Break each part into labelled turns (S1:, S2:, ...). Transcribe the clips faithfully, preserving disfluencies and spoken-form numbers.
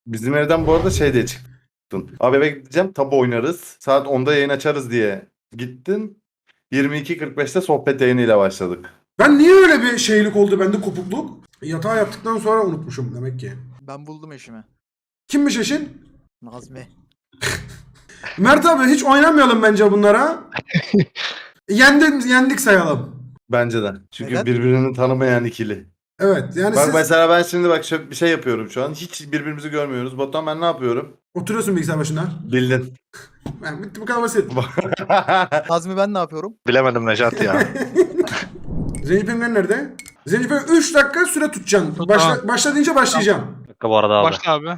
S1: Bizim evden bu arada şey diye çıktın. Abi eve gideceğim tabu oynarız. Saat onda yayın açarız diye gittin. yirmi iki kırk beşte sohbet yayınıyla başladık.
S2: Ben niye öyle bir şeylik oldu bende, kopukluk? Yatağı yaptıktan sonra unutmuşum demek ki.
S3: Ben buldum eşimi.
S2: Kimmiş eşin?
S3: Nazmi.
S2: Mert abi hiç oynamayalım bence bunlara. Yendik, yendik sayalım.
S1: Bence de. Çünkü
S3: Neden?
S1: birbirini tanımayan ikili.
S2: Evet yani
S1: Bak
S2: siz
S1: mesela ben şimdi bak şöyle bir şey yapıyorum şu an. Hiç birbirimizi görmüyoruz. Batuhan ben ne yapıyorum?
S2: oturuyorsun bilgisayar başında.
S1: Bildin.
S2: Yani bitti, bu kadar basit.
S3: Nazmi ben ne yapıyorum?
S4: Bilemedim Necati ya.
S2: Zenci Penguen nerede? Zenci Penguen üç dakika süre tutacaksın.
S5: Tut,
S2: Başla,
S5: tamam.
S2: başla deyince başlayacağım.
S4: Bir dakika bu arada abi.
S5: Başla abi.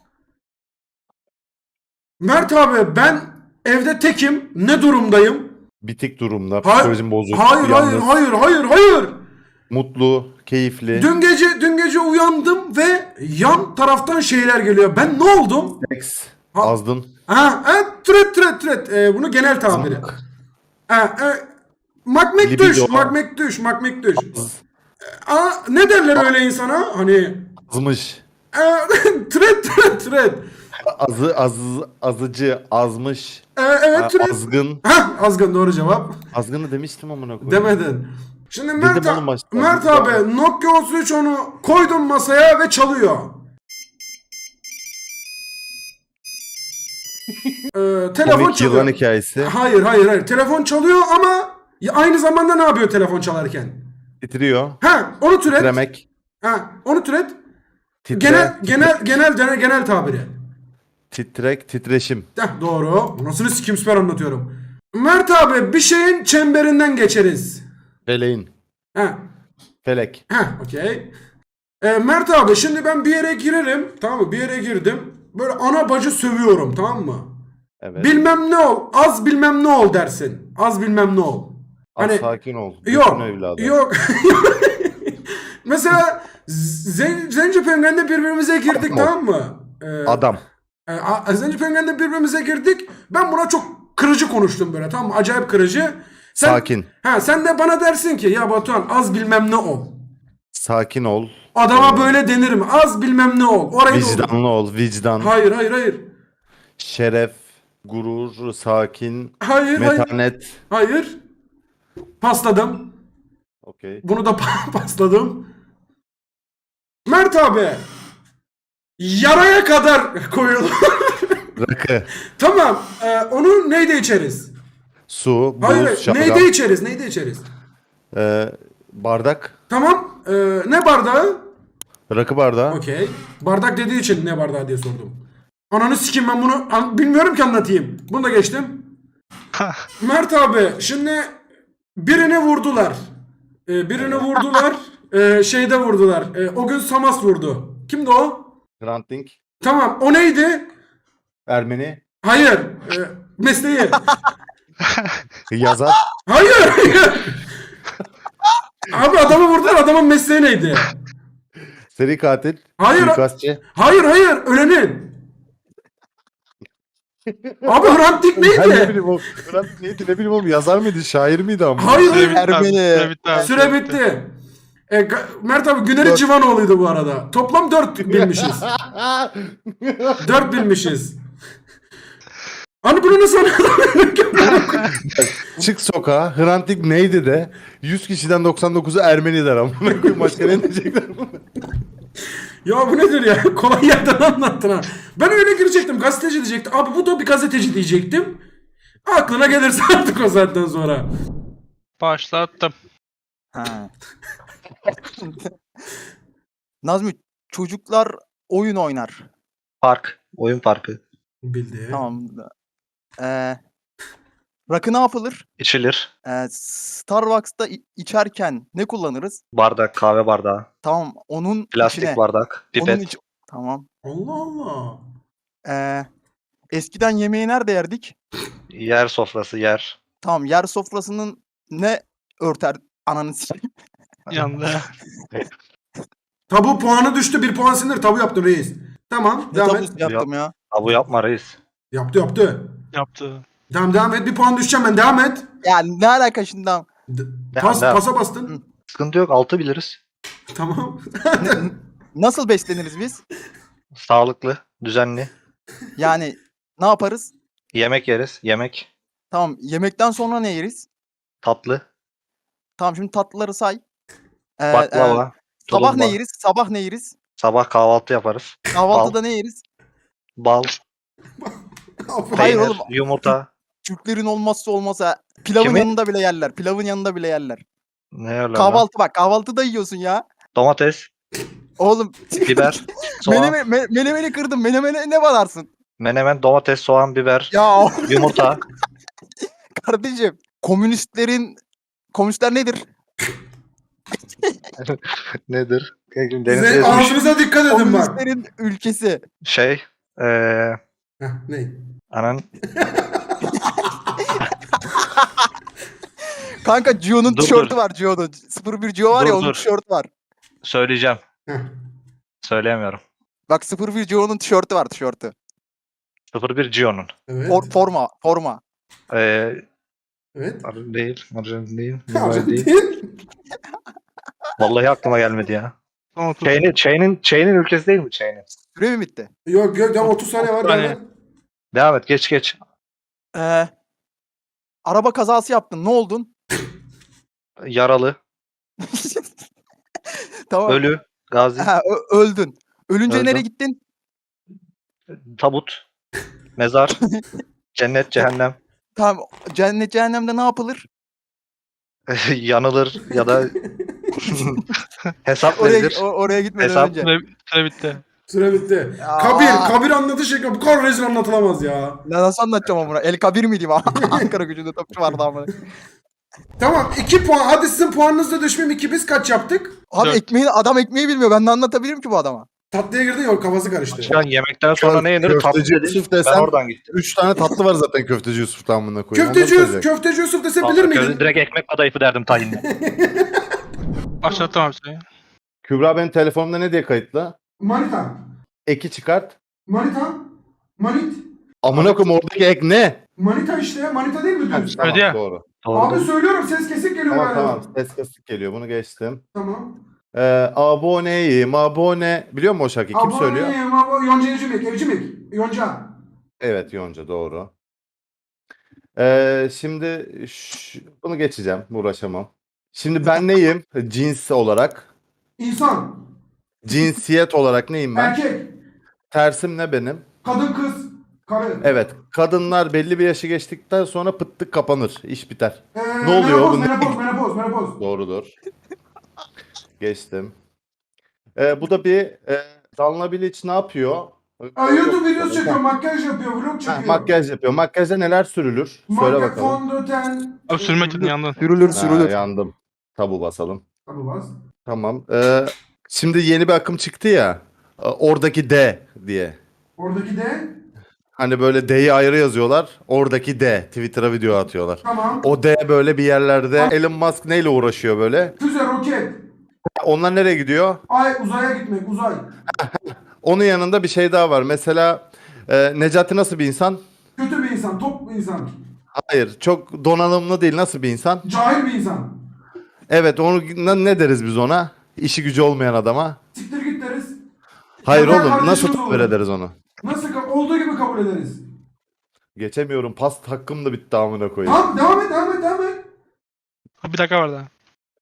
S2: Mert abi ben evde tekim. Ne durumdayım?
S1: Bitik durumda.
S2: Hayır,
S1: Psikolojim bozuk.
S2: hayır, hayır,
S1: yalnız,
S2: hayır, hayır, hayır.
S1: Mutlu, keyifli.
S2: Dün gece dün gece uyandım ve yan taraftan şeyler geliyor. Ben ne oldum?
S1: Seks.
S2: Ha-
S1: Azdın.
S2: Ha, evet, türet türet türet. Ee, bunu genel tabiri.
S1: Zınk.
S2: Ha, e, makmek düş,
S1: Libido.
S2: makmek düş, makmek düş.
S1: Az.
S2: Aa, ne derler öyle insana? Hani
S1: Azmış.
S2: e, türet türet türet.
S1: Azı, az, azıcı, azmış.
S2: E, evet türet.
S1: Azgın.
S2: Hah, azgın doğru cevap.
S1: Azgını demiştim amına koyayım.
S2: Demedin. Şimdi Mert,
S1: Dedim oğlum başta.
S2: Mert
S1: Dedim.
S2: abi Nokia otuz üç onu koydum masaya ve çalıyor. Ee, telefon
S1: Komik
S2: çalıyor.
S1: yılan hikayesi.
S2: Hayır hayır hayır. Telefon çalıyor ama ya aynı zamanda ne yapıyor telefon çalarken?
S1: Titriyor.
S2: Ha, onu türet.
S1: Titremek.
S2: Ha, onu türet.
S1: Titre.
S2: Genel genel genel genel genel tabiri.
S1: Titrek, titreşim.
S2: Heh, doğru. Anasını sikim süper anlatıyorum. Mert abi bir şeyin çemberinden geçeriz.
S1: Feleğin.
S2: Ha.
S1: Felek.
S2: Ha, okey. Ee, Mert abi şimdi ben bir yere girerim. Tamam mı? Bir yere girdim. Böyle ana bacı sövüyorum, tamam mı?
S1: Evet.
S2: Bilmem ne ol. Az bilmem ne ol dersin. Az bilmem ne ol.
S1: Az
S2: Hani
S1: sakin ol.
S2: yok.
S1: Bütün evladı.
S2: Yok. Mesela Zen Zenci Penguen'de birbirimize girdik,
S1: Adam ol.
S2: tamam mı? Ee,
S1: Adam.
S2: e, a- Zenci Penguen'de birbirimize girdik. Ben buna çok kırıcı konuştum böyle, tamam mı? Acayip kırıcı. Sen,
S1: Sakin.
S2: Ha, sen de bana dersin ki ya Batuhan az bilmem ne ol.
S1: Sakin ol.
S2: Adama böyle denir mi? Az bilmem ne ol. Orayı da olur.
S1: Vicdanlı ol. Vicdan.
S2: Hayır hayır hayır.
S1: Şeref. Gurur. Sakin.
S2: Hayır hayır.
S1: Metanet.
S2: Hayır. Pasladım.
S1: Okey.
S2: Bunu da pa- pasladım. Mert abi. Yaraya kadar koyulur.
S1: Rakı.
S2: Tamam. E, onu neyde içeriz?
S1: Su.
S2: Hayır.
S1: Buz. Şalgam.
S2: Neyde içeriz? Neyde içeriz?
S1: Ee, bardak.
S2: Tamam. E, ne bardağı?
S1: Rakı bardağı.
S2: Okey. Bardak dediği için ne bardağı diye sordum. Ananı sikeyim, ben bunu an- bilmiyorum ki anlatayım. Bunu da geçtim. Mert abi şimdi birini vurdular. Ee, birini vurdular. Ee, şeyde vurdular. Ee, o gün Samas vurdu. Kimdi o?
S1: Hrant Dink.
S2: Tamam, o neydi?
S1: Ermeni.
S2: Hayır. Ee, mesleği.
S1: Yazar.
S2: Hayır. Hayır. Abi adamı vurdular, adamın mesleği neydi?
S1: Seri katil.
S2: Hayır.
S1: Suikastçı.
S2: Hayır hayır, ölenin. Abi Hrant Dink
S1: Ben ne
S2: neydi?
S1: bileyim oğlum. Hrant Dink neydi ne bileyim oğlum. Yazar mıydı? Şair miydi ama?
S2: Hayır
S5: Süre
S2: hayır.
S5: bitti abi,
S3: Ermeni.
S5: Süre bitti abi.
S2: Süre bitti. E, Ga- Mert abi Güneri Civanoğlu'ydu bu arada. Toplam dört bilmişiz. dört bilmişiz. Hani bunu nasıl anladın?
S1: Çık sokağa. Hrant Dink neydi de yüz kişiden doksan dokuzu Ermeni der ama. Başka ne diyecekler bunu?
S2: Ya bu nedir ya? Kolay yerden anlattın ha. Ben öyle girecektim. Gazeteci diyecektim. Abi bu da bir gazeteci diyecektim. Aklına gelirse artık o saatten sonra.
S5: Başlattım.
S3: Ha. Nazmi çocuklar oyun oynar.
S4: Park. Oyun parkı.
S2: Bildi.
S3: Tamam. Ee, rakı ne yapılır?
S4: İçilir.
S3: Ee, Starbucks'ta i- içerken ne kullanırız?
S4: Bardak. Kahve bardağı.
S3: Tamam, onun
S4: Plastik
S3: içine.
S4: bardak.
S3: Onun
S4: Pipet.
S3: iç- Tamam.
S2: Allah Allah.
S3: Ee, eskiden yemeği nerede yerdik?
S4: Yer sofrası. Yer.
S3: Tamam, yer sofrasının ne örter ananı sikeyim.
S5: Yandı.
S2: Tabu puanı düştü. Bir puan sinir. Tabu yaptın reis. Tamam.
S3: Ne
S2: Devam et.
S3: tabusu yaptım ya.
S4: Abu yapma reis.
S2: Yaptı yaptı.
S5: Yaptı.
S2: Tamam devam et. Bir puan düşeceğim ben. Devam et.
S3: Yani ne alaka şimdi?
S2: D-
S4: Devam,
S2: pas,
S4: devam.
S2: pasa bastın.
S4: Sıkıntı yok. Altı biliriz.
S2: Tamam.
S3: Nasıl besleniriz biz?
S4: Sağlıklı. Düzenli.
S3: Yani ne yaparız?
S4: Yemek yeriz. Yemek.
S3: Tamam, yemekten sonra ne yeriz?
S4: Tatlı.
S3: Tamam, şimdi tatlıları say. Ee, e,
S4: Baklava.
S3: sabah ne
S4: tulumba.
S3: yeriz? Sabah ne yeriz?
S4: Sabah kahvaltı yaparız.
S3: Kahvaltıda ne yeriz?
S4: Bal.
S3: Hayır
S4: Peynir.
S3: oğlum.
S4: Yumurta.
S3: Türklerin olmazsa olmazsa pilavın
S4: Kimin?
S3: yanında bile yerler. Pilavın yanında bile yerler.
S4: Ne öyle lan?
S3: Kahvaltı bak, kahvaltıda yiyorsun ya.
S4: Domates.
S3: Oğlum
S4: Biber. Soğan.
S3: menemeni, me, menemeni kırdım. Menemene ne banarsın?
S4: Menemen. Domates. Soğan. Biber.
S3: Ya
S4: Yumurta.
S3: kardeşim, komünistlerin komünistler nedir?
S4: Nedir? Deniz
S2: Size
S4: gezmiş.
S2: ağzınıza dikkat edin bak.
S3: Komünistlerin ülkesi.
S4: Şey. Eee.
S2: Heh, ne?
S4: Anan.
S3: Kanka Gio'nun
S4: Dur,
S3: tişörtü
S4: dur.
S3: var Gio'nun. sıfır bir Gio var ya
S4: Dur,
S3: onun
S4: dur.
S3: tişörtü var.
S4: Söyleyeceğim.
S2: Heh.
S4: Söyleyemiyorum.
S3: Bak sıfır bir Gio'nun tişörtü var tişörtü.
S4: sıfır bir Gio'nun.
S2: Evet.
S3: For, forma forma.
S4: Ee,
S2: Evet.
S4: Arın değil. Arın değil.
S2: Ya,
S4: Mumbai değil.
S2: değil.
S4: Vallahi aklıma gelmedi ya.
S5: Tamam, dur.
S4: Chain'in, Chain'in, Chain'in ülkesi değil mi Chain'in?
S3: Süre mi bitti?
S2: Yok yok ya otuz saniye var.
S5: otuz saniye.
S2: devam et.
S4: Devam et geç geç.
S3: Ee, araba kazası yaptın. Ne oldun?
S4: Yaralı,
S3: Tamam.
S4: ölü, gazi,
S3: Ha, ö- öldün. Ölünce
S4: Öldüm.
S3: nereye gittin?
S4: tabut, mezar, cennet, cehennem,
S3: Tamam. Cennet cehennemde ne yapılır?
S4: yanılır ya da hesap
S3: Oraya
S4: verilir.
S3: o- oraya gitmeden
S4: Hesap-
S3: önce.
S5: Süre, süre bitti.
S2: Süre bitti.
S3: Ya.
S2: Kabir. Kabir anlatış şekli. Bu kadar rezil anlatılamaz ya.
S3: Ne nasıl anlatacağım ama bunu? El Kabir miydi bu? Ankara gücünde topçu vardı ama.
S2: Tamam iki puan. Hadi sizin puanınızda düşmeyeyim. iki biz kaç yaptık?
S3: Abi
S5: Dört.
S3: ekmeği adam ekmeği bilmiyor. Ben de anlatabilirim ki bu adama.
S2: Tatlıya girdin ya kafası karıştı.
S4: Şu an yemekten sonra ne yenir? Tatlı
S1: Köfteci
S4: dedi.
S1: Yusuf
S4: Ben
S1: desem
S4: oradan gittim.
S1: üç tane tatlı var zaten köfteci Yusuf'tan amına koyayım.
S2: Köfteci,
S1: Onları
S2: Yusuf,
S1: söyleyecek.
S2: köfteci Yusuf dese bilir
S4: Vallahi
S2: miydin?
S4: Direkt ekmek kadayıfı derdim tayinle.
S5: Başlattım abi süreyi.
S1: Kübra benim telefonumda ne diye kayıtlı?
S2: Manita.
S1: Eki çıkart.
S2: Manita. Manit.
S1: Amına koyayım oradaki ek ne?
S2: Manita işte. Manita değil mi
S1: Ha,
S2: düz?
S1: tamam,
S5: Öyle ya.
S1: doğru.
S2: Abi söylüyorum ses kesik geliyor
S1: Tamam
S2: bana.
S1: tamam ses kasık geliyor bunu geçtim.
S2: Tamam.
S1: Ee, aboneyim abone. Biliyor musun o şarkıyı? Kim söylüyor?
S2: Aboneyim, abo- Yonca Evcimik. Evcimik. Yonca.
S1: Evet Yonca doğru. Ee, şimdi ş- bunu geçeceğim. Uğraşamam. Şimdi ben neyim? Cins olarak.
S2: İnsan.
S1: Cinsiyet olarak neyim ben?
S2: Erkek.
S1: Tersim ne benim?
S2: Kadın kız. Karı.
S1: Evet. Kadınlar belli bir yaşı geçtikten sonra pıttık kapanır. İş biter.
S2: Ee,
S1: Ne oluyor
S2: Menopoz,
S1: bu?
S2: menopoz, menopoz, menopoz.
S1: Doğrudur. Geçtim. Ee, bu da bir e, Danla Bilic ne yapıyor?
S2: Aa, YouTube videosu çekiyor, makyaj yapıyor, vlog
S1: Ha,
S2: çekiyor.
S1: makyaj yapıyor. Makyajda neler sürülür? Söyle
S2: Makyaj,
S1: bakalım.
S2: fondöten.
S5: Abi sürme tütün yandın.
S3: Sürülür
S1: Ha,
S3: sürülür.
S1: yandım. Tabu basalım.
S2: Tabii bas.
S1: Tamam. Ee, şimdi yeni bir akım çıktı ya. e, Oradaki D diye.
S2: Oradaki de
S1: Hani böyle D'yi ayrı yazıyorlar. Oradaki D. Twitter'a video atıyorlar.
S2: tamam.
S1: O D böyle bir yerlerde. Elon Musk neyle uğraşıyor böyle?
S2: Füze, roket.
S1: Onlar nereye gidiyor?
S2: Ay uzaya gitmek, uzay.
S1: Onun yanında bir şey daha var. Mesela e, Necati nasıl bir insan?
S2: Kötü bir insan, top bir insan.
S1: Hayır. Çok donanımlı değil. Nasıl bir insan?
S2: Cahil bir insan.
S1: Evet. Onu ne ne deriz biz ona? İşi gücü olmayan adama.
S2: Siktir git deriz.
S1: Hayır
S2: Ya da
S1: oğlum. Nasıl
S2: kardeşimiz
S1: tabir
S2: olur.
S1: ederiz onu?
S2: Nasıl ka- olduğu gibi kabul ederiz.
S1: Geçemiyorum. Pas hakkım da bitti amına koyayım.
S2: Tamam devam et, devam et, devam et.
S5: Bir dakika var daha.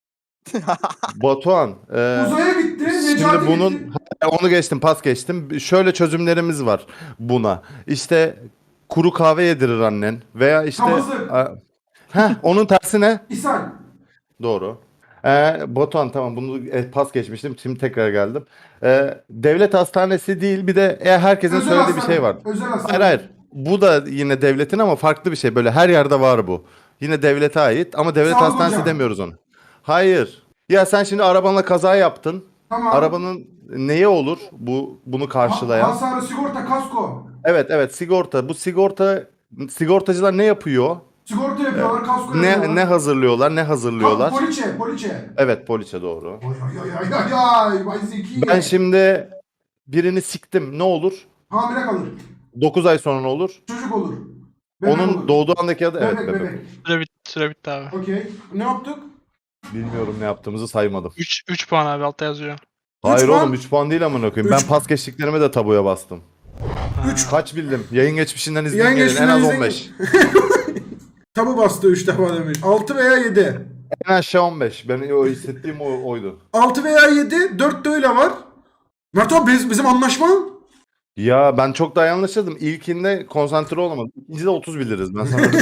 S1: Batuhan. e,
S2: Uzaya gitti, Necati
S1: Şimdi bunun
S2: gitti.
S1: onu geçtim, pas geçtim. Şöyle çözümlerimiz var buna. İşte kuru kahve yedirir annen veya işte
S2: Kabızlık.
S1: a- Heh, onun tersi ne?
S2: İshal.
S1: Doğru. Ee, Batuhan tamam bunu e, pas geçmiştim. Şimdi tekrar geldim. Ee, devlet hastanesi değil bir de e, herkesin
S2: Özel
S1: söylediği bir
S2: hastane.
S1: şey var.
S2: Özel hastane.
S1: Hayır hayır. Bu da yine devletin ama farklı bir şey. Böyle her yerde var bu. Yine devlete ait ama devlet
S2: Sağlık
S1: hastanesi
S2: hocam.
S1: demiyoruz onu. Hayır. Ya sen şimdi arabanla kaza yaptın.
S2: Tamam.
S1: Arabanın neye olur bu bunu karşılayan?
S2: Ha- hasarı, sigorta, kasko.
S1: Evet evet sigorta. Bu sigorta sigortacılar ne yapıyor?
S2: Sigorta yapıyorlar, kasko
S1: Ne
S2: yapıyorlar.
S1: ne hazırlıyorlar? Ne
S2: Ha,
S1: hazırlıyorlar?
S2: poliçe, poliçe.
S1: Evet poliçe doğru.
S2: Ay ay ay ay ay ay. Vay zeki.
S1: Ben şimdi birini siktim. Ne olur?
S2: Hamile kalır.
S1: dokuz ay sonra ne olur?
S2: Çocuk olur. Bebek
S1: Onun
S2: olur.
S1: doğduğu andaki adı evet
S2: Bebek,
S1: bebek.
S2: bebek.
S5: Süre bitti, süre bitti abi.
S2: Okey. Ne yaptık?
S1: Bilmiyorum ne yaptığımızı saymadım.
S5: üç üç puan abi altta yazıyor.
S1: Hayır
S2: puan.
S1: oğlum üç puan değil amına koyayım.
S2: Üç-
S1: Ben pas geçtiklerime de tabuya bastım.
S2: üç
S1: Kaç bildim? Yayın geçmişinden izleyin
S2: Yayın
S1: gelin. En
S2: geçmişinden
S1: az
S2: izleyin
S1: on beş.
S2: tabu bastı üç defa demiş. altı veya yedi.
S1: En aşağı on beş. Ben o hissettiğim o, oydu.
S2: altı veya yedi. dört de öyle var. Mert abi biz, bizim anlaşma.
S1: Ya ben çok daha yanlışladım. İlkinde konsantre olamadım. İkincide otuz biliriz. Ben sana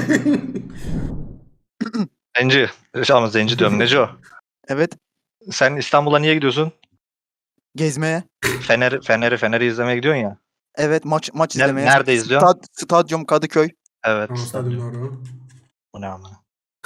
S4: Zenci. Ama Zenci diyorum. Neco.
S3: Evet.
S4: Sen İstanbul'a niye gidiyorsun?
S3: Gezmeye.
S4: Fener'i Fener'i Fener'i izlemeye gidiyorsun ya.
S3: Evet maç maç
S4: Ne-
S3: izlemeye.
S4: nerede izliyorsun?
S3: Stad, stadyum Kadıköy.
S4: Evet.
S2: Tamam stadyum doğru.
S4: Bu ne amına?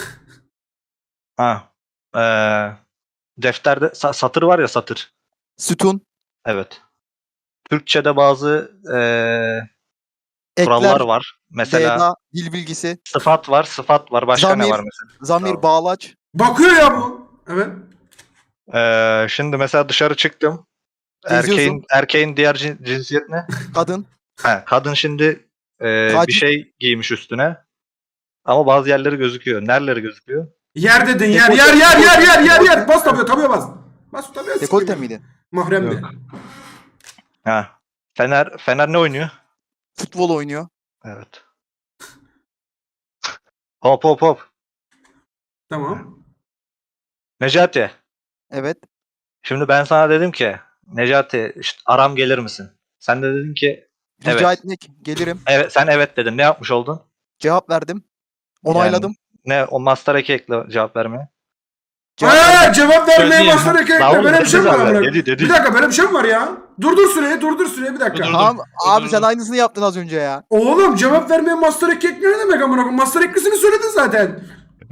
S4: Ha. Ee, defterde sa- satır var ya satır.
S3: Sütun.
S4: Evet. Türkçe'de bazı ee, kurallar
S3: Ekler.
S4: var. Mesela
S3: Deda. Dil bilgisi.
S4: sıfat var, sıfat var. Başka ne
S3: Zamir.
S4: var mesela?
S3: Zamir.
S4: Tamam.
S3: Bağlaç.
S2: Bakıyor ya bu. Evet.
S4: Ee, şimdi mesela dışarı çıktım.
S3: Geziyorsun.
S4: Erkeğin erkeğin diğer cin- cinsiyet ne?
S3: Kadın.
S4: Ha, kadın şimdi ee, bir
S3: Tacit.
S4: şey giymiş üstüne. Ama bazı yerleri gözüküyor. Nereleri gözüküyor?
S2: Yer dedin yer
S3: Dekolte-
S2: yer yer yer yer yer yer. Bas tabuya tabuya bas. Bas tabuya.
S3: Dekolte
S2: sikeyim.
S3: miydi?
S2: Mahremdi.
S1: Yok.
S4: Ha. Fener Fener ne oynuyor?
S3: Futbol oynuyor.
S4: Evet. Hop hop hop.
S2: Tamam.
S4: Necati.
S3: Evet.
S4: Şimdi ben sana dedim ki Necati işte aram gelir misin? Sen de dedin ki
S3: Rica
S4: Evet.
S3: etmek. Gelirim.
S4: evet sen evet dedin. Ne yapmış oldun?
S3: Cevap verdim. Onayladım.
S4: Ne o master eki ekle cevap vermeye.
S3: Cevap verdim.
S2: Eee cevap vermeye
S5: Söyleyeyim.
S2: başlar ekle.
S4: Lan oğlum,
S2: Böyle bir şey mi
S4: dedi
S2: var?
S4: zaten,
S2: amına?
S4: dedi, dedi.
S2: Bir dakika böyle bir şey mi var ya? Durdur süreyi durdur süreyi bir dakika.
S5: Dur, dur.
S3: Tamam abi
S5: Dur,
S3: sen
S5: dur.
S3: aynısını yaptın az önce ya.
S2: Oğlum cevap vermeye master ek ekliyor ne demek amına koyayım? Master eklisini söyledin zaten.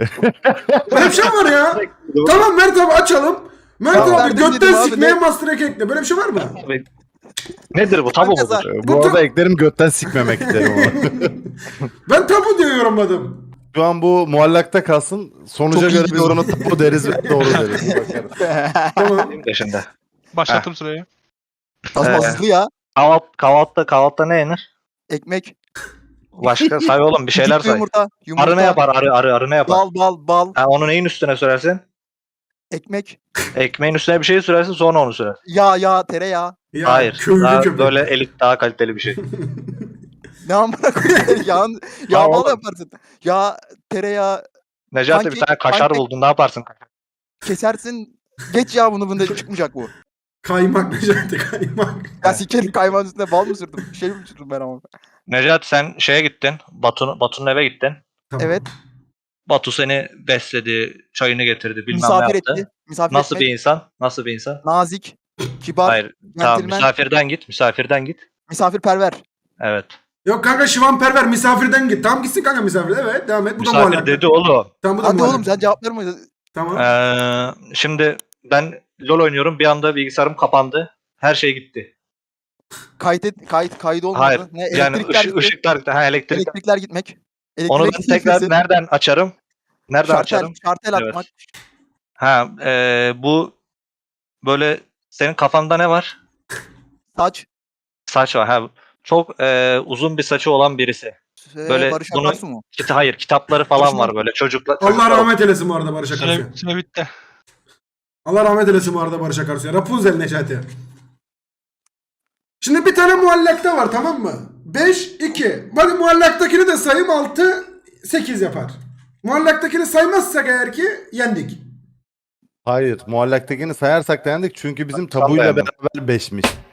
S2: Böyle bir şey mi var ya? Tamam Mert abi açalım. Mert
S3: Tamam.
S2: abi
S3: Verdim
S2: götten
S3: dedim abi,
S2: sikmeye
S3: ne?
S2: master ek ekle. Böyle bir şey var mı?
S4: Abi, nedir bu? Tabu
S3: Kanka
S4: mudur?
S3: sen-
S1: Ee,
S2: Bu
S1: Bu arada
S2: ta-
S1: eklerim götten sikmemek isterim ama.
S2: Ben tabu diye yorumladım.
S1: Şu an bu muallakta kalsın. Sonuca
S3: Çok iyi
S1: göre biz
S3: gidiyorum.
S1: onu tabu deriz ve doğru deriz. Bakarız.
S2: Tamam.
S4: Benim de şimdi.
S5: Başlattım süreyi.
S3: Tasma
S4: Ee,
S3: hızlı ya.
S4: Kahvaltı, kahvaltıda kahvaltıda ne yenir?
S3: Ekmek.
S4: Başka say oğlum bir şeyler
S3: küçük
S4: say.
S3: Yumurta. Yumurta.
S4: Arı ne yapar? Arı arı arı ne yapar?
S3: Bal bal bal.
S4: Ha, onu neyin üstüne sürersin?
S3: Ekmek.
S4: Ekmeğin üstüne bir şey sürersin sonra onu sürer.
S3: Yağ yağ tereyağı.
S2: Ya,
S4: Hayır.
S2: Köylü
S4: Daha
S2: köpek.
S4: böyle elit daha kaliteli bir şey.
S3: Ne amına koyayım? Yağın, yağ
S4: Tamam
S3: bal
S4: oğlum.
S3: yaparsın. Yağ tereyağı
S4: Necati bir
S3: Pankek-
S4: tane kaşar
S3: pankek-
S4: buldun. Ne yaparsın?
S3: kesersin. Geç ya bunu bunda çıkmayacak bu.
S2: Kaymak Necati kaymak.
S3: Ya sikerim kaymağın üstüne bal mı sürdüm? Bir şey mi sürdüm ben ama?
S4: Necati sen şeye gittin. Batu, Batu'nun eve gittin.
S2: Tamam.
S3: Evet.
S4: Batu seni besledi, çayını getirdi, bilmem
S3: Misafir
S4: ne yaptı.
S3: etti. Misafir
S4: Nasıl
S3: etmek.
S4: bir insan? Nasıl bir insan?
S3: Nazik. Kibar.
S4: Hayır. Tamam,
S3: Centilmen.
S4: misafirden git, misafirden git.
S3: Misafirperver.
S4: Evet.
S2: Yok kanka şivan perver misafirden git. Tamam gitsin kanka misafir. Evet devam et. Bu da
S4: Misafir
S2: muallak.
S4: dedi oğlum.
S2: Tamam bu da
S3: Hadi
S2: muallak.
S3: oğlum sen cevap verme.
S2: Tamam.
S4: Ee, şimdi ben LoL oynuyorum. Bir anda bilgisayarım kapandı. Her şey gitti.
S3: Kayıt, kayıt, kaydı olmadı.
S4: Hayır.
S3: Ne,
S4: Yani
S3: elektrikler
S4: ışık,
S3: gitti.
S4: ışıklar gitti. Ha, elektrik.
S3: Elektrikler gitmek. Elektrik
S4: Onu ben tekrar
S3: gitmesi.
S4: nereden açarım? Nereden
S3: Şartel,
S4: açarım?
S3: şartel
S4: Evet.
S3: atmak.
S4: Ha, e, bu böyle senin kafanda ne var?
S3: Saç.
S4: Saç var. Ha, çok e, uzun bir saçı olan birisi.
S3: Ee,
S4: Böyle
S3: Barış
S4: bunu-
S3: Akarsu mu?
S4: Kita, hayır, kitapları falan
S3: Barış
S4: var
S3: Manço.
S4: böyle. Çocuklar.
S2: Allah
S4: çocuklar-
S2: rahmet eylesin bu arada Barış Akarsu'ya.
S5: Süre, süre bitti.
S2: Allah rahmet eylesin bu arada Barış Akarsu'ya. Rapunzel Necati. Şimdi bir tane muallakta var tamam mı? beş, iki. Hadi muallaktakini de sayayım altı, sekiz yapar. Muallaktakini saymazsak eğer ki yendik.
S1: Hayır. Muallaktakini sayarsak da yendik. Çünkü bizim
S4: Sen
S1: tabuyla
S4: beğendin.
S1: beraber beşmiş.